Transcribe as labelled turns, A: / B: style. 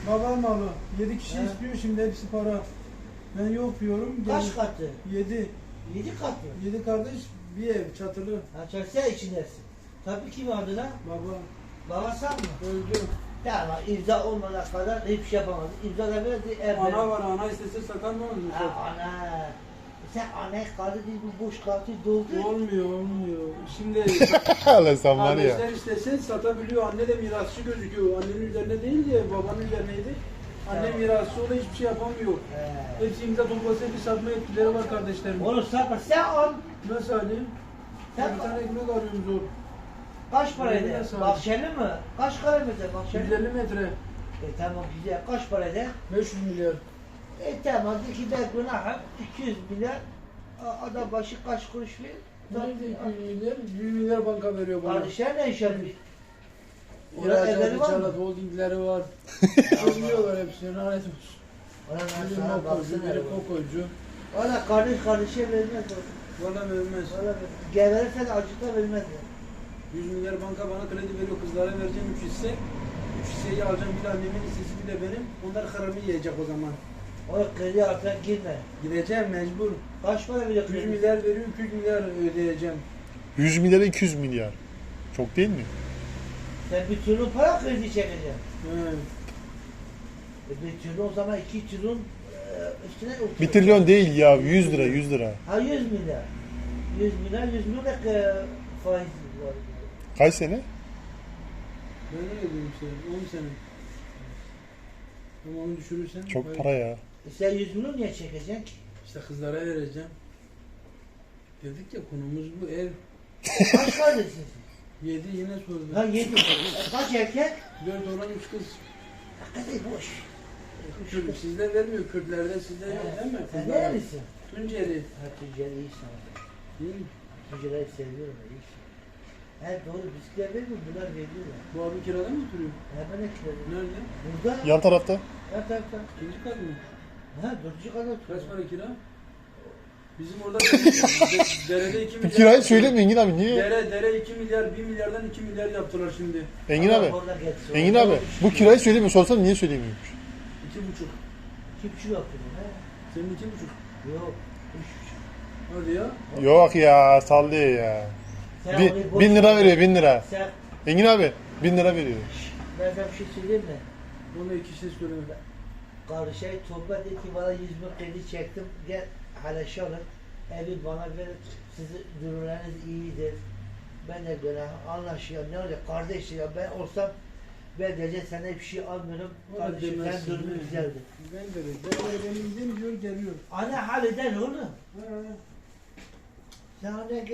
A: Baba malı. 7 kişi istiyor şimdi, hepsi para. Ben yok diyorum.
B: Kaç katı?
A: 7.
B: 7 katı.
A: 7 kardeş, bir ev çatılı.
B: Ha çarşıya içindesin. Tabii kim adına?
A: Baba
B: Babası mı?
A: öldü.
B: Ya imza olmadan kadar hiçbir şey yapamadı. İmza da verdi.
A: Ana var, ana istese satar mı olur?
B: Ha, ana. Sen anne kaldı değil, bu boş kaldı doldu.
A: Olmuyor. Şimdi
C: Lan sen var ya.
A: kardeşler istese satabiliyor. Anne de mirasçı gözüküyor. Annenin üzerine değil de babanın üzerineydi. Anne
B: Tamam.
A: mirasçı, o da hiçbir şey yapamıyor. Hepsi imza toplasa bir satma etkileri var kardeşlerim.
B: Oğlum sen al.
A: Nasıl alayım?
B: Sen
A: Bir tane ekmek arıyorum zor.
B: kaç para eder?
A: Nasıl?
B: Bahçeli mi? Kaç kilometre bahçeli?
A: 150 metre.
B: Tamam güzel. Kaç para eder?
A: 500 milyar.
B: Tamam. İki de günahım 200 milyar. Adam başı kaç kuruş verir?
A: Nerede 200 milyar? 100 milyar banka veriyor bana.
B: Kardeşler ne iş yapıyor? Orada evleri
A: İhracatı,
B: var mı?
A: çalat, holdingleri var. Alıyorlar hepsini, lanet olsun.
B: Ona ben
A: Biri
B: sana
A: mokocu,
B: baksana.
A: biri kokocu.
B: Valla kardeşe vermez o.
A: Bana vermez.
B: Valla geverirsen acıta vermez ya.
A: 100 milyar banka bana kredi veriyor, kızlara vereceğim 3 hisse. 3 hisseyi alacağım, bir de annemin hissesi, bir de benim. Onlar haramı yiyecek o zaman.
B: O kredi altına girme.
A: Gideceğim mecbur.
B: Kaç para veriyor
A: 100
B: kredi?
A: milyar veriyor, 200 milyar ödeyeceğim.
C: 100 milyar 200 milyar. Çok değil mi?
B: Sen bir trilyon para kredi çekeceksin.
A: He.
B: Bir trilyon o zaman 2 trilyon üstüne oturuyor.
C: 1 trilyon değil ya, 100 lira 100 lira.
B: Ha 100 milyar. 100 milyon da faiz var.
C: Kaç sene?
A: Ben ne diyorum işte, 10 sene. Ama onu düşürürsen...
C: Çok para ya.
B: Sen 100 milyon niye çekeceksin ki?
A: İşte kızlara vereceğim. Dedik ya, konumuz bu, ev.
B: Kaç kardeşsin
A: 7 yine sordu.
B: sen? Ha 7. Kaç erkek?
A: 4 oğlan 3 kız.
B: Hakikaten boş.
A: Kürt, sizde vermiyor, Kürtlerde sizde yok değil mi?
B: Sen
A: Kızlar.
B: nerelisin?
A: Tunceli.
B: Ha Tunceli iyi sana.
A: Değil mi?
B: Tunceli'yi seviyorum iyi. He doğru bizimkiler vermiyor, bunlar veriyorlar.
A: Bu abi kirada mı oturuyor?
B: Hemen ekledim.
A: Nerede?
B: Burada.
C: Yan tarafta.
B: Ha tarafta.
A: İkinci kat mı?
B: Ha dördüncü kadar oturuyor.
A: Kaç para kira? Bizim orada derede 2
C: Bir
A: milyar.
C: kirayı söyleme Engin abi, niye?
A: Dere 2 milyar, 1 milyardan 2 milyar yaptılar şimdi.
C: Engin abi.
B: Orada geçsin.
C: Engin abi, bu kirayı söylemiyor. Sorsana niye söylemiyormuş?
A: 2,5.
B: Kimçi yapıyor ha?
A: Senin 2,5.
B: Yok. 3,5.
A: Hadi ya.
C: Yok ya, sallıyor ya.
B: Sen
C: Bi-
B: onu boş
C: 1000 lira
B: ver.
C: veriyor, 1000 lira.
B: Sen
C: Engin abi 1000 lira veriyor.
B: ben sana bir şey söyleyeyim mi?
A: Ona 2 şey söyleme.
B: Kardeşe Tuğba dedi ki bana 100 bin kredi çektim. Gel haleşe alın. Evi bana verin. Sizin durumlarınız iyidir. Ben de günah anlaşıyorum. Ne olacak kardeş ya, ben olsam ben diyeceğim sana bir şey almıyorum.
A: O da
B: Kardeşim sen
A: demezsin,
B: durumu
A: evet.
B: güzeldi.
A: Ben de benim gidemiyor, geliyor.
B: Ana halleder oğlum.
A: Ha.
B: Sen ona